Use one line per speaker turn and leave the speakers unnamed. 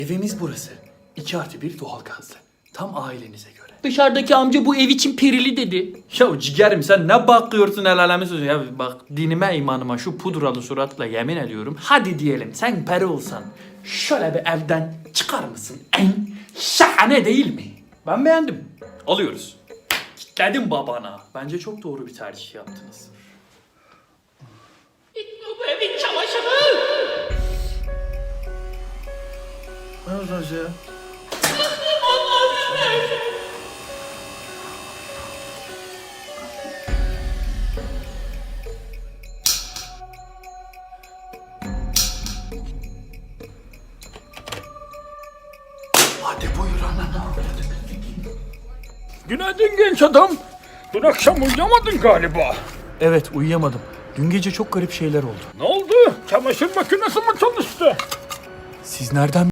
Evimiz burası. 2+1 doğalgazlı. Tam ailenize göre.
Dışarıdaki amca bu ev için perili dedi.
Ya ciğerim sen ne bakıyorsun el alemi sözü ya, bak dinime imanıma şu pudralı suratla yemin ediyorum. Hadi diyelim sen peri olsan şöyle bir evden çıkar mısın? En şahane değil mi? Ben beğendim. Alıyoruz. Kitledim babana. Bence çok doğru bir tercih yaptınız.
Bu evin çamaşırı.
Ne olacak ya? Hadi buyur ana.
Günaydın genç adam. Dün akşam uyuyamadın galiba.
Evet uyuyamadım. Dün gece çok garip şeyler oldu.
Ne oldu? Çamaşır makinesi mi çalıştı?
Siz nereden